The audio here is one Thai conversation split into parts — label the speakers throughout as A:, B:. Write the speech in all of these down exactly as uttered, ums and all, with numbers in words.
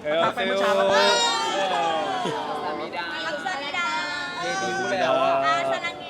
A: เออ
B: ทักไปเมื่อเช้า
A: เอ
B: แล้ว
A: อ
C: สามีดา
D: อักษรดา
B: เดบิวต์แล้วอะ
D: อาสลังเง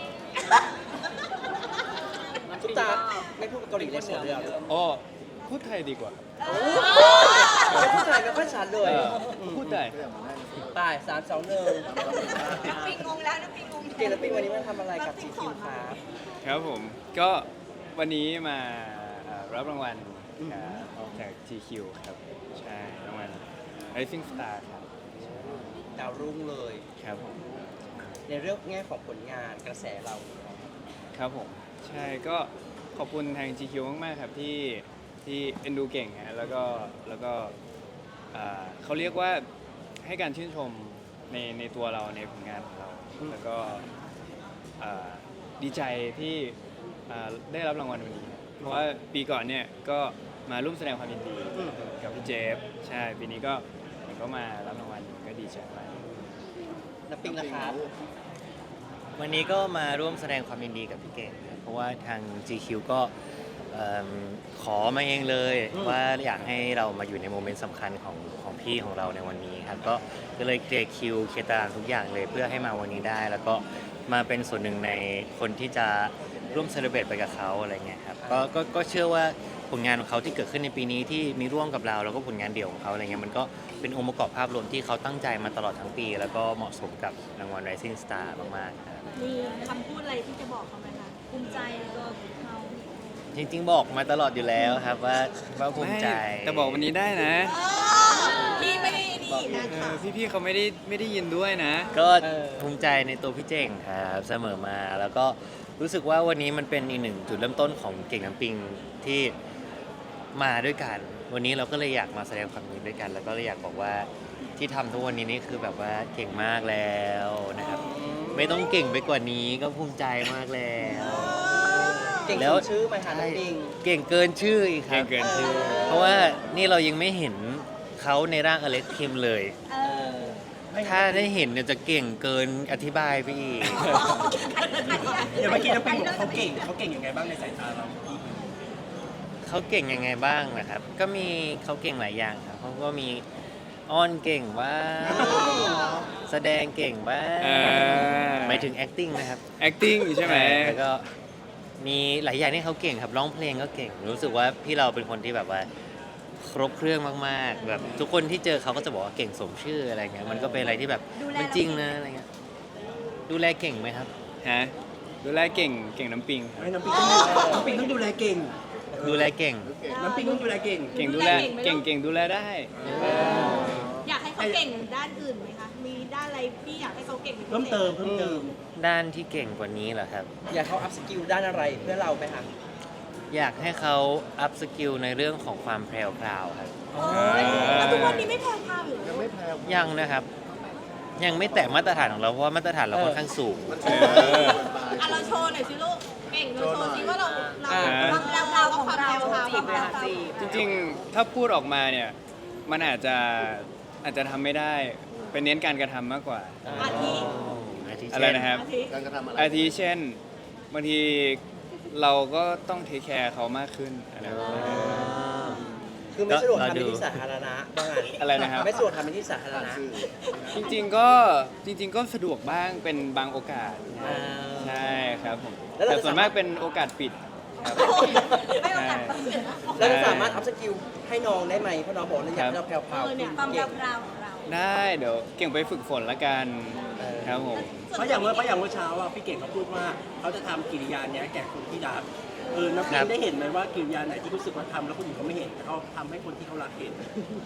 B: ทุกตาไม่พูดเกาหลีเลยเสียเรื่อง
A: อ๋อพูดไทยดีกว่า
B: ไม่พูดไทยไม่ค่อยชัดเลย
A: เออพูดได้
B: ตายสามสองหนึ่ง
D: น้ำปิงงงแล้วน้ำปิงงง
B: เกลปิงวันนี้มาทำอะไรกับ จี คิว ครับ
A: ครับผมก็วันนี้มาเอ่อรับรางวัลอ่าจาก จี คิว ครับใช่รางวัล Rising Star ครับ
B: ดาวรุ่งเลย
A: ครับผม
B: ในเรื่องแง่ของผลงานกระแสเรา
A: ครับผมใช่ก็ขอบคุณทาง จี คิว มากๆครับที่ที่เอ็นดูเก่งฮะแล้วก็แล้วก็อ่าเขาเรียกว่าให้การชื่นชมในในตัวเราในผลงานของเรา แล้วก็อ่าดีใจที่อ่าได้รับรางวัลวันนี้ เพราะว่าปีก่อนเนี่ยก็มาร่วมแสดงความยินดี
B: อืม
A: กับพี่เจฟใช่ปีนี้ก็ผมก็มารับรางวัลก็ดีใจมาก
B: น้ำปิงนะครับ
E: วันนี้ก็มาร่วมแสดงความยินดีกับพี่เก่งครับเพราะว่าทาง จี คิว ก็เอิ่มขอมาเองเลยว่าอยากให้เรามาอยู่ในโมเมนต์สำคัญของของพี่ของเราในวันนี้ครับก็ก็เลยเคลียร์คิวเคลียร์ตารางทุกอย่างเลยเพื่อให้มาวันนี้ได้ แล้วก็มาเป็นส่วนหนึ่งในคนที่จะร่วมเซเลบรตไปกับเขาอะไรเงี้ยครับก็ก็ก็เชื่อว่าผลงานของเขาที่เกิดขึ้นในปีนี้ที่มีร่วมกับเราแล้วก็ผลงานเดี่ยวของเขาอะไรเงี้ยมันก็เป็นองค์ประกอบภาพรวมที่เขาตั้งใจมาตลอดทั้งปี แล้วก็เหมาะสมกับรางวัล Rising Star มากๆครับ
D: มีคำพูดอะไรที่จะบอกเขาไหมคะภูมิใจในตัวเขา
E: จริงๆบอกมาตลอดอยู่แล้วครับว่าว่าภูมิใจ
A: ไม่แต่บอกวันนี้ได้นะ
D: พี่ไม่ได้ดีนะ
A: เอ
D: คะ
A: อพี่ๆเขาไม่ได้ไม่ได้ยินด้วยนะ
E: ก็ภูมิใจในตัวพี่เจ๋งครับเสมอมา แล้วก็รู้สึกว่าวันนี้มันเป็นอีกหนึ่งจุดเริ่มต้นของเก่งน้ำปิงที่มาด้วยกัน วันนี้เราก็เลยอยากมาแสดงความยินดีด้วยกัน แล้วก็เลยอยากบอกว่าที่ทำทุกวันนี้นี่คือแบบว่าเก่งมากแล้วนะครับไม่ต้องเก่งไปกว่านี้ก็ภูมิใจมากแล้ว
B: เก่ง
E: แล้
B: ส
E: ว
B: มชื่อไหมคะน้ำปิง
E: เก่งเกินชื่ออีกค
A: เก่
E: รั
A: ง
E: บ
A: เกินชื่อ
E: เพราะว่านี่เรายังไม่เห็นเขาในร่างอเล็กคิมเลย
D: เออ
E: ถ้าได้เห็นเนี่ยจะเก่งเกินอธิบายไปอีก
B: เดี๋ยวเมื่อกี้น้ำปิงบอกเขาเก่งเขาเก่งยังไงบ้างในสายตาเรา
E: เขาเก่งยังไงบ้างนะครับ ก็มีเขาเก่งหลายอย่างครับเขาก็มีอ้อนเก่งบ้างแสดงเก่งบ้าง
A: เออ
E: หมายถึง acting นะครับ
A: acting ใช่ไหม
E: แล้วก็มีหลายอย่างที่เขาเก่งครับร้องเพลงก็เก่ง รู้สึกว่าพี่เราเป็นคนที่แบบว่าครบเครื่องมากๆแบบทุกคนที่เจอเขาก็จะบอกว่าเก่งสมชื่ออะไรเงี้ยมันก็เป็นอะไรที่แบบมันจริงนะอะไรเงี้ยดูแลเก่งไหมครับ
A: ฮะดูแลเก่งเก่งน้ำปิงครับ
F: ไม่น้ำปิงต้องดูน้ำปิงต้องดูแลเก่ง
E: ดูแลเก่ง
F: น้ำปิงต้องดูแลเก่ง
A: เก่งดูแลเก่งเก่งดูแลได้
D: อยากให้เขาเก่งด้านอื่นไหมคะ มีด้านอะไรพี่อยากให้เขาเก่งป็นพิศษ
F: เพิ่มเติมเพิ่มเติม
E: ด้านที่เก่งกว่านี้เหรอครับ
B: อยากเขาอัพสกิลด้านอะไรเพื่อเราไหมคะ
E: อยากให้เขาอัพสกิลในเรื่องของความแพรวพราวครับ
D: โอ้ยแล้วทุกวันนี้ไม่แพงพาวอยู่เหรอ
F: ยังไม่แพ้
E: ยังนะครับ ยังไม่แตะมาตรฐานของเราเพราะว่ามาตรฐานเราค่อนข้างสูง
A: เออ
D: อ่ะเราโชว์หน่อยสิลูก เก่งเราโชว์สิว่าเราเรา
B: อ่า
D: ความเราเราของเราความ
C: จีบเลย
D: เรา
C: ค่ะจีบ
A: จริงๆ ถ้าพูดออกมาเนี่ย มันอาจจะอาจจะทำไม่ได้ เป็นเน้นการกระทำมากกว่า
D: อาทิ
E: อาทิ
A: อะไร
E: เช่น
A: นะครับ
D: อาทิ
F: การกระทำอะไร
A: อาทิเช่นบางทีเราก็ต้องเทคแคร์เขามากขึ้นอะไรแบบนี้
B: คือไม่สะดวกทำในที่สาธารณะบ้าง
A: อะไรนะครับ
B: ไม่สะดวกทำในที่สาธารณะ
A: จริงๆก็จริง ๆ ก็สะดวกบ้างเป็นบางโอกาส
B: อ่า
A: ใช่ครับผม
B: แล้วเรา
A: แต่
B: จะ
A: ส่วนมากเป็นโอกาสปิดครับ
D: ไม่โอกาส
B: แล้วเราสามารถอัพสกิลให้น้องได้ไหมเพราะน้องบอกว่าอยากให้เราแพรว
D: เออเนี่ยความ
B: ๆเก่ง
D: เราของเรา
A: ได้เดี๋ยวเก่งไปฝึกฝนละกัน
B: เออ
A: ครับผม
F: เพราะอย่างเมื่อเพราะอย่างเมื่อเช้าอ่ะพี่เก่งเขาพูดว่าเขาจะทำกิริยาเนี้ยแก่คนที่รักเออน้ำปิงได้เห็นไหมว่ากิริยาไหนที่รู้สึกว่าทำแล้วคนอื่นเขาไม่เห็นแต่เขาทำให้คนที่เขารักเห็น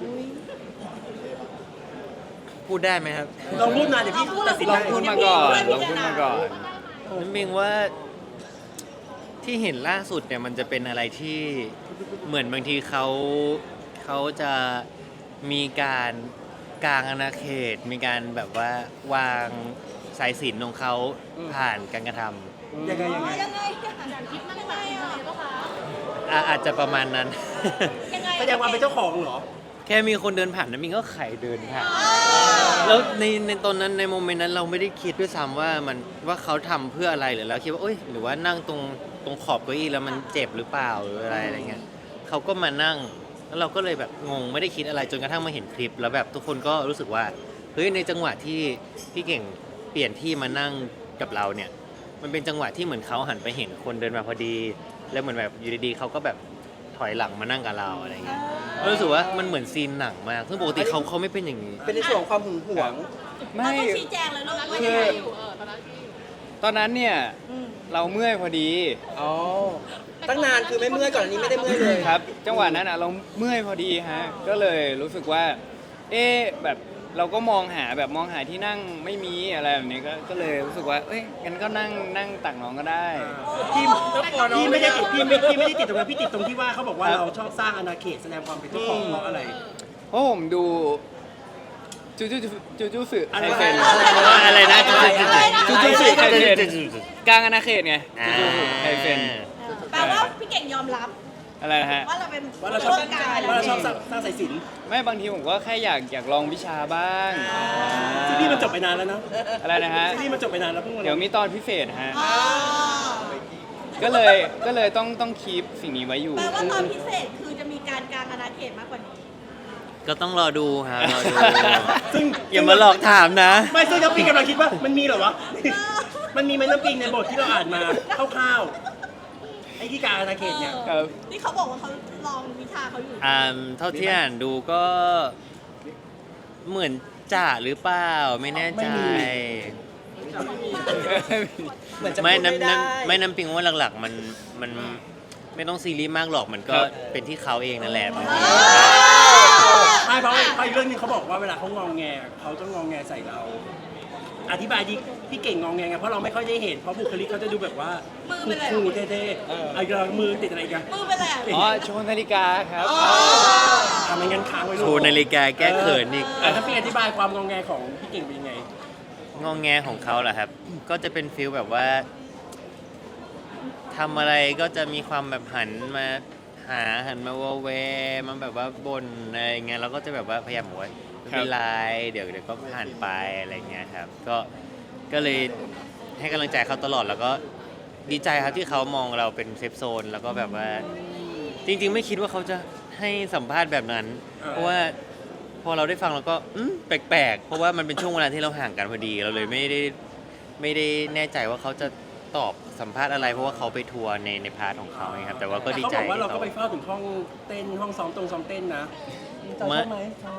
E: พูดได้ไหมครับ
F: ลองพูดมาเดี๋ยวพี่ตัดสิน
A: ลอ
F: ได้
A: งพูดมาก่อนลองพูดมาก่อน
E: น้ำมิงว่าที่เห็นล่าสุดเนี่ยมันจะเป็นอะไรที่เหมือนบางทีเขาเขาจะมีการกลางอาณาเขต มีการแบบว่าวางสายสิญจนของเขาผ่านการกระท
F: ยังไงยังไง
D: ยังไงอย่างคิดมันยังไงอ่ะ
E: ำอ่ะอาจจะประมาณนั้น
D: ยังไง
F: แสดงว่าเป็นเจ้าของเหรอ
E: แค่มีคนเดินผ่านน้ำมิงก็ไขเดินผ่านแล้วในในตอนนั้นในโมเมนต์นั้นเราไม่ได้คิดด้วยซ้ำว่ามันว่าเขาทำเพื่ออะไรหรือเราคิดว่าเอ้ยหรือว่านั่งตรงตรงขอบเก้าอี้แล้วมันเจ็บหรือเปล่าหรืออะไรอะไรเงี้ยเขาก็มานั่งแล้วเราก็เลยแบบงงไม่ได้คิดอะไรจนกระทั่งมาเห็นคลิป แล้วแบบทุกคนก็รู้สึกว่าเฮ้ยในจังหวะที่พี่เก่งเปลี่ยนที่มานั่งกับเราเนี่ยมันเป็นจังหวะที่เหมือนเขาหันไปเห็นคนเดินมาพอดี แล้วเหมือนแบบอยู่ดีๆเขาก็แบบถอยหลังมานั่งกับเราอะไรเงี้ยก็รู้สึกว่ามันเหมือนซีนหนังมากซึ่งปกติเขาเขาไม่เป็นอย่างนี้
F: เป็นในส่วนของความหึงหวง
D: เรา
A: ไม่
D: ต้องชี้แจงเลยลูกว่า
A: คื
D: ยัง
A: อ
D: ไง
A: ตอนนั้นเนี่ย
D: ม
A: เราเมื่อยพอดี
F: อ๋อ ตั้งนานคือไม่เมื่อยก่อนอันนี้ไม่ได้เมื่อยเลย
A: ครับ จังหวะนั้นอ่ะเราเมื่อยพอดีฮะก็เลยรู้สึกว่า เอ๊ะแบบเราก็มองหาแบบมองหาที่นั่งไม่มีอะไรแบบนี้ก็ก็เลยรู้สึกว่า เอ้ยงั้นก็นั่งนั่งตักน้องก็ได้
F: พี่พี่ไม่ได้ติดพี่ไม่พี่ไม่ได้ติดตรงนั้นพี่ติดตรงที่ว่าเขาบอกว่าเราชอบสร้างอาณาเขตแสดงความเป็นเจ้าของเพราะอะไร
A: เพราะผมดูจูจูจูจูสึ
F: อะไร
A: ไคเซน
E: อะไรนะ
A: จูจูสึไคเซนกลางอาณาเขตไงจูจูสึไคเซน
D: แปลว่าพี่เก่งยอมรับ
A: อะไรนะฮะ
D: ว่าเราเป็น
F: ว่าเราชอบ
D: ร่วมกาย
F: ว่าเราชอบสร้างสร้างสายสิญจน
A: ไม่บางทีผมก็แค่อยากอยากลองวิชาบ้าง
F: ซีรีส์มันจบไปนานแล้วนะ
A: อะไรนะฮะ
F: ซีรีส์มันจบไปนานแล้วเพิ่งมา
A: เดี๋ยวมีตอนพิเศษฮะ
D: อ๋อ
A: ก็เลยก็เลยต้องต้องคีปสิ่งนี้ไว้อยู่
D: แปลว่าตอนพิเศษคือจะมีการกลางอาณาเขตมากกว่านี้
E: ก็ต้องรอดูครับรอดู
F: ซึ่ง
E: อย่ามาหลอกถามนะ
F: ไม่ซึ่งน้ำปิงกำลังคิดว่ามันมีเหรอวะ มันมีไหมน้ำปิงในบทที่เราอ่านมาคร่าวๆไอ้ที่กลางอาณาเขตเนี่ย
A: ครับ
D: นี่เขาบอกว่าเขาลองวิชาเขาอยู่
E: อ่าเท่าที่อ่านดูก็เหมือนจ่าหรือเปล่าไม่แน่ใจ
F: เหมือนจะ
E: ไม่
F: พูดไม่
E: น้ำ
F: ได้
E: น้ำไม่น้ำปิงว่าหลักๆ มันมันไม่ต้องซีรีส์มากหรอกมันก็เป็นที่เขาเองนั่นแหละบางที
F: ไม่เพราะเพราะอีกเรื่องหนึงเขาบอกว่าเวลาเขางองแงเขาจะงองแงใส่เรา อธิบายดิพี่เก่งงองแงไงเพราะเราไม่ค่อยได้เห็นเพราะบุคลิกเขาจะดูแบบว่า
D: มือเป็นอะไร
F: คูลๆเท่ๆเอาอีกแล้วมือติดอะไรกัน
D: มือเป็นอะไรอ่ะ
A: อ๋อโชว์นาฬิกาครับ
F: ทำให้งั้นค้างไว้ลูก
E: โชว์นาฬิกาแก้เขินอีก
F: อ่ะถ้าพี่อธิบายความงองแงของพี่เก่งเป็นยังไง
E: งองแงของเขาเหรอครับ ก็จะเป็นฟิลแบบว่าทำอะไรก็จะมีความแบบหันมาหาหันมาวอแวร์มันแบบว่าบ่นอะไรเงี้ยเราก็จะแบบว่าพยายามบอกว่าไม่เป็นไรเดี๋ยวเดี๋ยวก็ผ่านไปอะไรเงี้ยครับ ก็ก็เลยให้กำลังใจเขาตลอดแล้วก็ดีใจครับที่เขามองเราเป็นเซฟโซนแล้วก็แบบว่า จริง ๆ ไม่คิดว่าเขาจะให้สัมภาษณ์แบบนั้น
F: เออ
E: เพราะว่าพอเราได้ฟังเราก็อืมแปลกๆ เพราะว่ามันเป็นช่วงเวลาที่เราห่างกันพอดีเราเลยไม่ได้ไม่ได้แน่ใจว่าเขาจะตอบสัมภาษณ์อะไร เพราะว่าเขาไปทัวร์ในในพาร์ทของเขาไงครับแต่ว่าก็ดีใจ
F: เขาบอกว่าเรา
E: ที่
F: ก็
E: เขา
F: ไปเฝ้าถึงห้องเต้นห้องซ้อมตรงซ้อมเต้นนะ
E: ไม่
F: ชอบไหม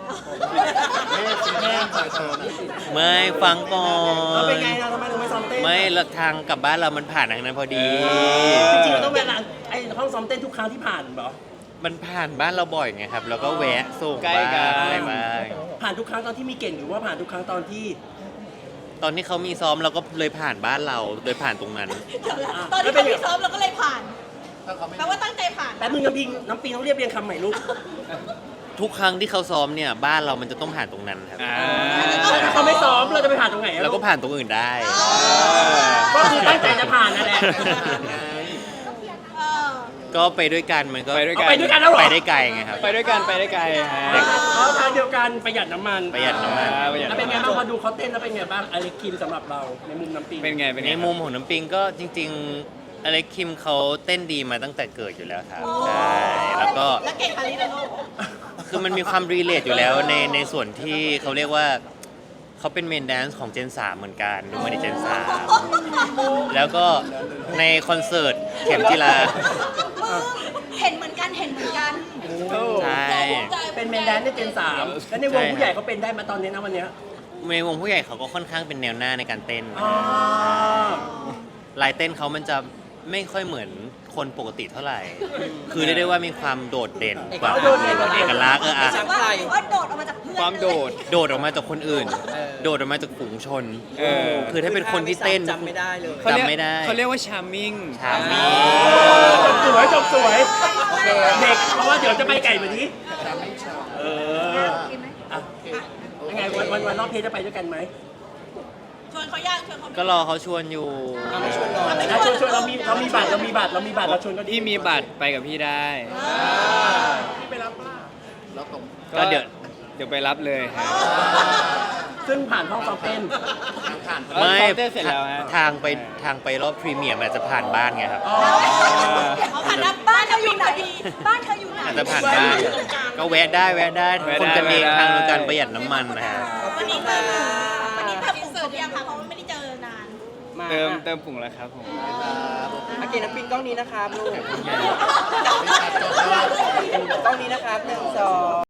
E: ไม่ฟังก่อ
F: เรา
E: น
F: เป็นไงเราทำไมเราไม่ซ้อมเต้น
E: ไม่ละทางกลับบ้านเรามันผ่านทางนั้นพอดี
F: จริงๆเราต้องเวลาไอ้ห้องซ้อมเต้นทุกครั้งที่ผ่านเหรอ
E: มันผ่านบ้านเราบ่อยไงครับ แล้วก็แวะส่ง
A: ใกล้กัน
E: บ้างอะไรบ้าง
F: ผ่านทุกครั้งตอนที่มีเก่งหรือว่าผ่านทุกครั้งตอนที่
E: ตอนที่เขามีซ้อมเราก็เลยผ่านบ้านเราโดยผ่านตรงนั้น
D: เดี๋ยวนะตอนที่เขาไม่ซ้อมเราก็เลยผ่านแปลว่าตั้งใจผ่าน
F: แป๊บนึงน้ำปิงน้ำปิงต้องเรียบเรียงคำใหม่ลูก
E: ทุกครั้งที่เขาซ้อมเนี่ยบ้านเรามันจะต้องผ่านตรงนั้นครับ
A: อ่า
F: ถ้าเขาไม่ซ้อมเราจะไปผ่านตรงไหนอะ
E: แล้ว
F: ลู
E: ก็ผ่านตรงอื่นได้
F: ก็คือตั้งใจจะผ่านนั่นแหละ
D: เออ
E: ก็ไปด้วยกันมันก็
A: ไปด้วย
F: เอา
A: กัน
F: ไปด้วยกันแล้วเหรอ
E: ไปได้ไกลไงครับ
A: ไปด้วยกันไปได้ไกลฮะ
F: อ๋อทางเดียวกันประหยัดน้ำมัน
E: ประหยัดน้ำมัน
A: อ่าประหยัด
F: แล้วเป็นไงบ้างพอดูเขาเต้นแล้วเป็นไงบ้างอเล็กคิมสำหรับเราในมุมน้ำปิง
A: เป็นไงเป็นไง
E: ในมุมของน้ำปิงก็จริงๆอเล็กคิมเขาเต้นดีมาตั้งแต่เกิดอยู่แล้วครับใช่แล้วก็
D: แล้วเก่งปาริสแล้วลูก
E: คือมันมีความรีเลทอยู่แล้วในในส่วนที่เขาเรียกว่าเขาเป็นเมนแดนซ์ของเจนสามเหมือนกันดูมาในเจนสามแล้วก็ในคอนเสิร์ตเข็มจีรา
D: เห็นเหมือนกันเห็นเหมือนกัน
E: ใช่
F: เป็นเมนแดนซ์ในเจนสามแล้วในวงผู้ใหญ่เขาเป็นได้มาตอนนี้นะวันเนี้ย
E: ในวงผู้ใหญ่เขาก็ค่อนข้างเป็นแนวหน้าในการเต้น
F: อ๋อ
E: ลายเต้นเขามันจะไม่ค่อยเหมือนคนปกติเท่าไหร่ คือเรียกได้ว่ามีความโดดเด่นกว่าเอกลักษณ์เอออะ
D: ว่าว่าโดดออกมาจากเพื่อน
A: ความโดด
E: โดดออกมาจากคนอื่น โดดออกมาจากฝูงชน
A: เออ
E: คือถ้าเป็นคนที่เต้น
F: จำไม่ได้เลย
A: เขาเรียก
E: จำไม่ได้
A: เขาเรียกว่าชาร์มมิ่ง
E: ชามี
F: จบสวยจบสวยเด็กเพราะว่าเดี๋ยวจะไปไก่แบบนี้เอออ่ะยังไงวันวันวันรอบเพลงจะไปด้วยกันไหม
D: ชวนเขาย่างชวนเขา
E: ก็รอเขาชวนอยู่
F: ไม่ชวนหรอกนะชวนชวนเรามีเรามีบัตรเรามีบัตรเรามีบัตรเราชวนก็ดี
A: พี่มีบัตรไปกับพี่ได้
F: พี่ไปรับป่ะ
E: ก็เดี๋ยว
A: เดี๋ยวไปรับเลยฮะ
F: ซึ่งผ่านห้องซ้อมเต้น
E: ไม่
A: ซ้อมเต้นเสร็จแล้วฮะ
E: ทางไปทางไปรอบพรีเมียร์มันอาจจะผ่านบ้านไงครับ
F: อ๋อ
D: เอาผ่านนะบ้านเธออยู่ไหนบ้านเธออยู่ไหน
E: อาจจะผ่านบ้าน
F: ตรงกลาง
E: ก็แวะได้แวะได้
A: แวะได้
E: คนกันเอง
A: แวะได้
E: ทางการประหยัดน้ำมันนะฮะ
D: วันนี้เติมวันนี้เติมเสิร์ฟยังคะเพราะว่าไม่ได้เจอนาน
C: มา
A: เติมเติมผงแล้วครับผม
C: อาเกน้ำปิงกล้องนี้นะครับลูกกล้องนี้นะครับหนึ่งสอง